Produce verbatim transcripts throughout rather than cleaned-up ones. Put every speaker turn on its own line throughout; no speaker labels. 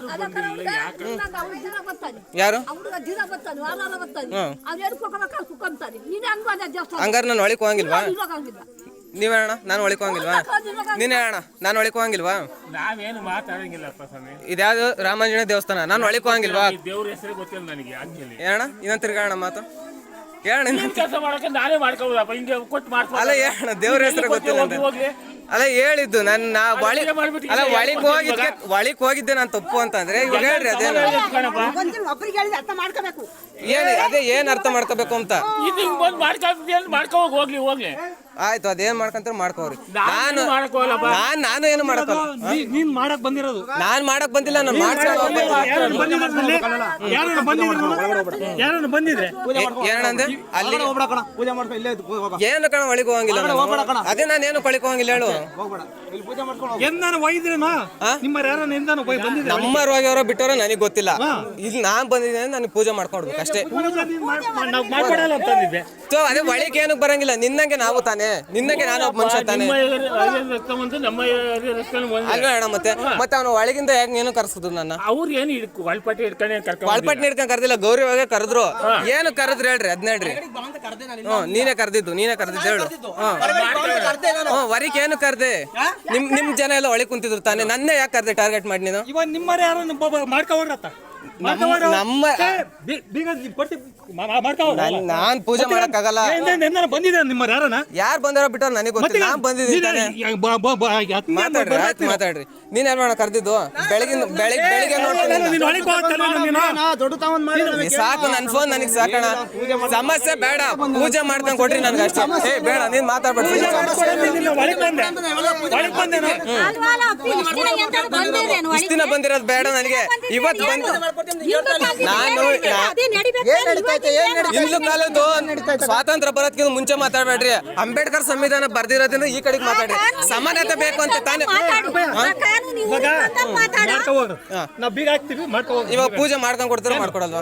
ಯಾರು ಹಂಗಾರೆ ನಾನು ಒಳಗೆ ಹೋಗಂಗಿಲ್ವಾ? ನೀವೇ ಅಣ್ಣ ನಾನು ಒಳಗೆ ಹೋಗಂಗಿಲ್ವಾ? ನೀನೇ ಅಣ್ಣ ನಾನು ಒಳಗೆ ಹೋಗಂಗಿಲ್ವಾ?
ನಾವೇನು ಮಾತಾಡಂಗಿಲ್ಲಪ್ಪ ಸ್ವಾಮಿ.
ಇದ್ಯಾವುದು ರಾಮಾಂಜನೇಯ ದೇವಸ್ಥಾನ, ನಾನು ಒಳಗೆ ಹೋಗಂಗಿಲ್ವಾ?
ದೇವ್ರ ಹೆಸರು ಗೊತ್ತಿಲ್ಲ ನನಗೆ.
ಏನಣ್ಣ ಇನ್ನೊಂದು ತಿರ್ಗಾಣ ಮಾತು ಹೇಳಣ್ಣ.
ಕೆಲಸ ಮಾಡಕ್ಕೆ ನಾನೇ ಮಾಡ್ಕೋಬೋದಪ್ಪ, ಹಿಂಗೆ ಕೊಟ್ಟು ಮಾಡ್ಕೊ.
ಅಲ್ಲ ಹೇಳಣ್ಣ, ದೇವ್ರ ಹೆಸರು ಗೊತ್ತಿಲ್ಲ ಅಂತ. ಅಲ್ಲ ಹೇಳಿದ್ದು ನನ್ನ ನಾ ಒಳಿ ಅಲ್ಲ ಒಳಿಗೆ ಹೋಗಿದ್ದೆ ಒಳಿಗೆ ಹೋಗಿದ್ದೆ ನಾನು ತಪ್ಪು ಅಂತ ಅಂದ್ರೆ ಇವಾಗ ಹೇಳ್ರಿ ಅದೇನು ಏನು ಅದೇ ಏನ್ ಅರ್ಥ ಮಾಡ್ಕೋಬೇಕು ಅಂತ.
ಮಾಡ್ಕೋ ಹೋಗ್ಲಿ ಹೋಗ್ಲಿ
ಆಯ್ತು, ಅದೇನ್ ಮಾಡ್ಕಂತ ಮಾಡ್ಕೋರಿ. ನಾನು ನಾನ್ ನಾನು ಏನು ಮಾಡಕ್ಕಲ್ಲ.
ನೀನ್ ಮಾಡಕ್ ಬಂದಿರೋದು
ನಾನ್ ಮಾಡಕ್ ಬಂದಿಲ್ಲ, ನಾನು ಮಾಡ್ಸ್ಕೊಂಡು
ಬಂದಿದ್ರೆ
ಏನಂದೆ ಅಲ್ಲಿ
ಪೂಜೆ ಮಾಡ್ಕೊ ಇಲ್ಲೇ
ಏನು ಕಣ ಒಳಗೆ ಹೋಗಂಗಿಲ್ಲ. ಅದೇ ನಾನು ಏನು ಕೊಳಿಕ್ ಹೋಗಂಗಿಲ್ಲ ಹೇಳು.
ಎಂದಾನು ಒಯ್ದ್ರೇನೋ ನಿಮ್ಮ ಯಾರನ್ನ ಎಂದಾನು ಬಂದಿದ್ರೆ
ನಮ್ಮರು ಹೋಗ್ಯವರೋ ಬಿಟ್ಟವರೋ ನನಗೆ ಗೊತ್ತಿಲ್ಲ. ಇಲ್ಲಿ ನಾನ್ ಬಂದಿದ್ದೇನೆ, ನನಗೆ ಪೂಜೆ ಮಾಡ್ಕೊಡ್ಬೇಕು ಅಷ್ಟೇ. ಸೊ ಅದೇ ಒಳಗೆ ಏನಕ್ಕೆ ಬರಂಗಿಲ್ಲ. ನಿನ್ನಂಗೆ ನಾವು ತಾನೇ, ನಿನ್ನಂಗೆ ನಾನು ಒಬ್ಬ ಮನುಷ್ಯ ತಾನೆ ಅಲ್ವೇ ಅಣ್ಣ. ಮತ್ತೆ ಮತ್ತೆ ಅವನು ಒಳಗಿಂದ ಯಾಕೆ ಏನು ಕರ್ಸಿದ್ರು ನನ್ನ?
ಅವ್ರು ಏನು ಒಳಪಟ್ಟಿ ಹಿಡ್ಕೊಂಡು
ಒಳಪಟ್ಟಿ ಹಿಡ್ಕೊಂಡು ಕರ್ದಿಲ್ಲ, ಗೌರಿ ಒಳಗೆ ಕರೆದ್ರು. ಏನು ಕರೆದ್ರು ಹೇಳ್ರಿ ಅದ್ನ ಹೇಳ್ರಿ. ಹ್ಮ್ ನೀನೇ ಕರ್ದಿದ್ದು, ನೀನೇ ಕರ್ದಿದ್ದು ಹೇಳು. ಹ್ಮ್ ವರಿಕ್ ಏನು ಕರ್ದೆ? ನಿಮ್ ನಿಮ್ ಜನ ಎಲ್ಲ ಒಳಗೆ ಕುಂತಿದ್ರು ತಾನೆ, ನನ್ನೇ ಯಾಕೆ ಕರ್ದೆ ಟಾರ್ಗೆಟ್ ಮಾಡಿ ನೀನು?
ಇವಾಗ ನಿಮ್ಮ ಯಾರನ್ನ ಮಾಡ್ಕೊಡ್ರತ್ತ
ನಮ್ಮ ನಾನ್ ಪೂಜೆ ಮಾಡಕ್ಕಾಗಲ್ಲ.
ಬಂದಿದೆ ನಿಮ್ಮ ಯಾರನ್ನ
ಯಾರು ಬಂದಾರೋ ಬಿಟ್ಟವ್ರು ನನಗೆ ಗೊತ್ತಿಲ್ಲ. ನಾನ್ ಬಂದಿದ್ದೀನಿ. ಮಾತಾಡ್ರಿ ಆಯ್ತು ಮಾತಾಡ್ರಿ. ನೀನ್ ಏನ್ ಮಾಡ ಕರ್ದಿದ್ದು? ಬೆಳಗಿನ ಬೆಳಿಗ್ಗೆ ಬೆಳಿಗ್ಗೆ ನೋಡ್ತೀನಿ ಸಾಕು. ನನ್ ಫೋನ್ ನನಗೆ ಸಾಕಣ, ಸಮಸ್ಯೆ ಬೇಡ. ಪೂಜೆ ಮಾಡ್ದಂಗ್ ಕೊಟ್ರಿ ನನ್ಗೆ ಅಷ್ಟೇ. ಏ ಬೇಡ ನೀನ್ ಮಾತಾಡ್ಬೇಡ. ಇಷ್ಟ ದಿನ ಬಂದಿರೋದು ಬೇಡ ನನಗೆ. ಇವತ್ತು ಬಂದು ನಾನು ಹಿಂದೂ ಕಾಲದ್ದು ಸ್ವಾತಂತ್ರ್ಯ ಬರೋದಕ್ಕಿಂತ ಮುಂಚೆ ಮಾತಾಡ್ಬೇಡ್ರಿ. ಅಂಬೇಡ್ಕರ್ ಸಂವಿಧಾನ ಬರ್ದಿರೋದ್ರಿಂದ ಈ ಕಡೆಗೆ ಮಾತಾಡ್ರಿ. ಸಮಾನತೆ ಬೇಕು ಅಂತ ತಾನೇ. ಇವಾಗ ಪೂಜೆ ಮಾಡ್ಕೊಂಡ್ ಕೊಡ್ತಾರ ಮಾಡ್ಕೊಡಲ್ವಾ?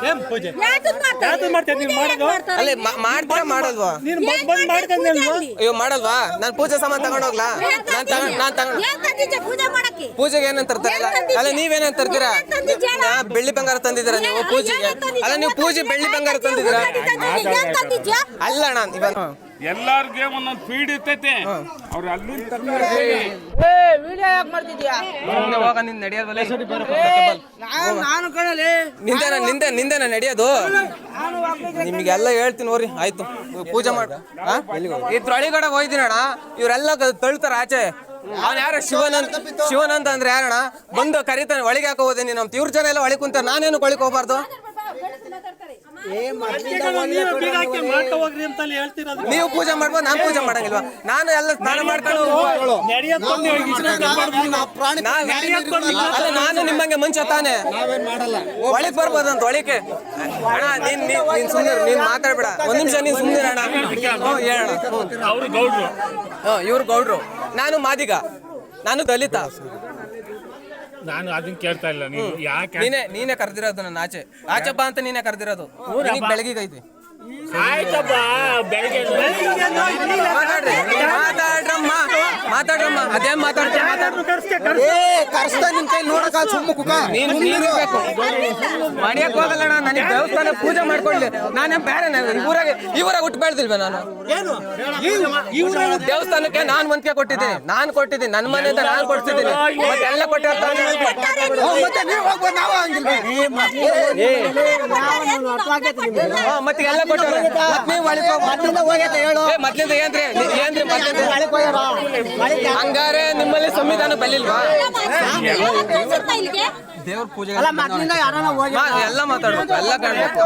ಅಲ್ಲೇ ಮಾಡ್ತೀರಾ ಮಾಡಲ್ವಾ? ಇವ್ ಮಾಡಲ್ವಾ? ನಾನ್ ಪೂಜೆ ಸಾಮಾನ್ ತಗೊಂಡೋಗ್ಲಾ? ನಾನ್ ತಗೊಂಡ್ ನಾನ್ ತಗೊಂಡ್ ಪೂಜೆಗೆ ಏನೇನ್ ತರ್ತಾರೆ? ಅಲ್ಲ ನೀವೇನೇನ್ ತರ್ತೀರಾ? ಬೆಳ್ಳಿ ಬಂಗಾರ ತಂದಿದ್ದೀರಾ ನೀವು ಪೂಜೆಗೆ? ಅಲ್ಲ ನೀವು ಪೂಜೆ ಬೆಳ್ಳಿ ಬಂಗಾರ ತಂದಿದ್ದೀರಾ? ಅಲ್ಲ ಅಣ್ಣ ಇವಾಗ
ಎಲ್ಲಾರ್ಗೆ ಒಂದೊಂದು ಫೀಡ್ ಇರ್ತೈತೆ. ಅವ್ರು ಅಲ್ಲಿಂದ
ನಿಂದೇನ ನಿಂದೆ ನಿಂದೇನ ನಡೆಯೋದು? ನಿಮ್ಗೆಲ್ಲ ಹೇಳ್ತೀನಿ ನೋಡ್ರಿ. ಆಯ್ತು ಪೂಜೆ ಮಾಡ ಇದ್ರೊಳಗಡೆ ಹೋಯ್ದಿನಣ್ಣ. ಇವರೆಲ್ಲ ತಳ್ತಾರ ಆಚೆ. ಅವ್ನ ಯಾರ ಶಿವನಂತ ಶಿವನಂತ ಅಂದ್ರೆ ಯಾರಣ್ಣ? ಬಂದು ಕರಿತಾನೆ ಒಳಗೆ ಹಾಕೋ ಹೋದೆ ನೀನು ಅಂತ. ಇವ್ರ ಜನ ಎಲ್ಲ ಒಳಗೆ ಕುಂತ ನಾನೇನು ಒಳಗೆ ಹೋಗ್ಬಾರ್ದು? ನೀವು ಪೂಜೆ ಮಾಡ್ಬೋದು, ನಾನು ಪೂಜೆ ಮಾಡಂಗಿಲ್ವಾ? ನಾನು ಎಲ್ಲ ಸ್ನಾನ ಮಾಡ್ಕೊಂಡು ಅಲ್ಲ ನಾನು ನಿಮ್ಮಂಗೆ ಮನುಷ್ಯ ತಾನೆ, ಒಳಗೆ ಬರ್ಬೋದಂತ ಒಳಗೆ. ಅಣ್ಣ ನೀನ್ ನೀನ್ ಸುಮ್ಮನೆ ನೀನ್ ಮಾತಾಡ್ಬೇಡ. ಒಂದ್ ನಿಮಿಷ ನೀನ್ ಸುಮ್ಮನೆ ಅಣ್ಣ. ಹ್ಞೂ ಹೇಳಣ್ಣ. ಹ್ಞೂ ಇವ್ರು ಗೌಡ್ರು, ನಾನು ಮಾದಿಗ, ನಾನು ದಲಿತ.
ನಾನು ಅದನ್ನ ಕೇಳ್ತಾ ಇಲ್ಲ. ನೀವು ಯಾಕೆ
ನೀನೇ ನೀನೇ ಕರೆದಿರೋದು ನನ್ನ ಆಚೆ ಆಚೆ ಬಾ ಅಂತ ನೀನೇ ಕರೆದಿರೋದು. ಬೆಳಗ್ಗೆ ಐತಿ
ಆಯ್ತಪ್ಪ ಬೆಳಗ್ಗೆ
ಮಾತಾಡ್ರಿ ಮಾತಾಡ್ರಮ್ಮ ಮಾತಾಡ್ರಮ್ಮ ಅದೇ ಮಾತಾಡ್ತೀವಿ. ಕರ್ಸ್ತಾ ನಿನ್ ಕೈ ನೋಡಕ ಸುಮ್ಮ ಕುಕ ನೀನು ನೀರ್ಬೇಕು ಮಾಡಿಯಕ್ ಹೋಗಲ್ಲಣ್ಣ. ನನಗೆ ದೇವಸ್ಥಾನ ಪೂಜೆ ಮಾಡ್ಕೊಳ್ಳಿ. ನಾನೇ ಬೇರೆ ಇವರಾಗ ಇವರಾಗ ಹುಟ್ಟು ಬೆಳ್ದಿಲ್ವ ನಾನು? ದೇವಸ್ಥಾನಕ್ಕೆ ನಾನ್ ವಂತಿಕೆ ಕೊಟ್ಟಿದ್ದೀನಿ, ನಾನ್ ಕೊಟ್ಟಿದ್ದೀನಿ. ನನ್ನ ಮನೆಯಿಂದ ನಾನು ಕೊಡ್ತಿದ್ದೀನಿ. ಮತ್ತೆ ಎಲ್ಲ ಕೊಟ್ಟಿರ್ತಾನೆ. ಮತ್ತೆ ಎಲ್ಲ ಕೊಟ್ಟವ್ರೆ. ಮೊದ್ಲಿಂದ ಏನ್ರಿ ಏನ್ರಿ ಹಂಗಾರೆ ನಿಮ್ಮಲ್ಲಿ ಸಂವಿಧಾನ ಬಲ್ಲಿಲ್ವಾ? ದೇವ್ರ ಪೂಜೆ ಎಲ್ಲ ಮಾತಾಡ್ಬೇಕು, ಎಲ್ಲ ಕಾಣ್ಬೇಕು.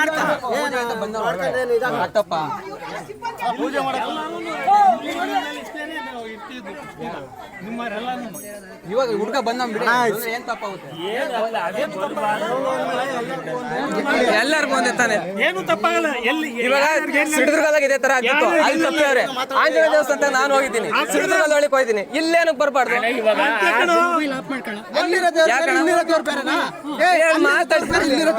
ಪೂಜೆ ಇವಾಗ ಹುಡುಗ ಬಂದ ಏನ್ ತಪ್ಪಾಗುತ್ತೆ? ಎಲ್ಲರಿಗೂ ಒಂದೇ ತಾನೆ,
ಏನು ತಪ್ಪಾಗಲ್ಲ. ಎಲ್ಲಿ
ಇವಾಗ ಸಿಡಿದುರ್ಗದಾಗ ಇದೇ ತರ ಆಗಿತ್ತು, ಅಲ್ಲಿ ತಪ್ಪವ್ರೆ. ಆಂಜನೇಯ ದೇವಸ್ಥಾನ ನಾನು ಹೋಗಿದ್ದೀನಿ, ಸಿಡಿದುರ್ಗದ ಒಳಗೆ ಹೋಗಿದ್ದೀನಿ. ಇಲ್ಲೇನಕ್ ಬರ್ಬಾರ್ದು?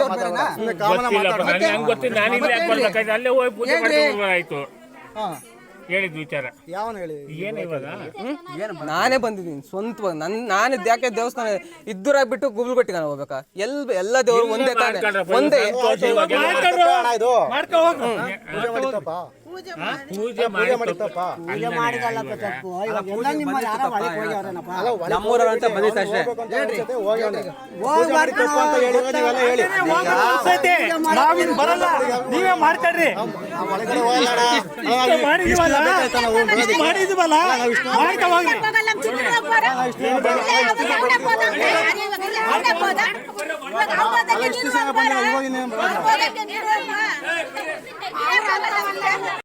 ಅಲ್ಲೇ ಹೋಗಿ ಪೂಜೆ ಮಾಡ್ಕೊಂಡು ಆಯ್ತು. ಹೇಳಿದ್ ವಿಚಾರ
ಯಾವನು ಹೇಳಿ
ಏನು ಇವಾಗ
ನಾನೇ ಬಂದಿದ್ದೀನಿ ಸ್ವಂತವಾಗಿ ನನ್ ನಾನು ಯಾಕೆ ದೇವಸ್ಥಾನ ಇದ್ದೂರಾಗ್ಬಿಟ್ಟು ಗುಬ್ಲುಗಟ್ಟಿಗೆ ನಾನು ಹೋಗ್ಬೇಕಾ ಎಲ್ ಎಲ್ಲ ದೇವರು ಒಂದೇ ತಾನೆ ಒಂದೇ
ಅಣ್ಣ ಇದು
ಮಾಡ್ಕೊ ಹೋಗು
ಪೂಜೆ ಮಾಡಿತ್ತಪ್ಪ
ಪೂಜೆ
ಪೂಜೆ
ಮಾಡಿ
ಮಾಡಿತ್ತಪ್ಪ
ಪೂಜೆ ಮಾಡಿದಲ್ಲಪ್ಪ ತಪ್ಪು ಇವಾಗ ಎಲ್ಲ ನಿಮ್ಮ ಯಾರೋ ಒಳಗೆ ಹೋಗ್ಯಾವ್ರೇನಪ್ಪ
ನಮ್ಮೂರವ್ರು ಅಂತ ಬಂದಿತ್ತು ಅಷ್ಟೇ
ಪೂಜೆ ಮಾಡಿತ್ತಪ್ಪ ಅಂತ ಹೇಳಿ ನೀವೆಲ್ಲ ಹೇಳಿ
ಅನ್ಸೈತೆ. ನಾವಿನ್ ಬರಲ್ಲ ನೀವೇ ಮಾಡ್ತಾರ್ರಿ
ಒಳಗಡೆ ಹೋಗೋಣ
ಇಷ್ಟು ಮಾಡಿದೀವಲ್ಲ ಇಷ್ಟು ಮಾಡಿದೀವಲ್ಲ ಮಾಡ್ಕೊ ಹೋಗ್ರಿ
ಇಷ್ಟು ಜನ ಬಂದ್ರೆ ಇವಾಗ ಇನ್ನೇನು ಬರಲ್ಲ.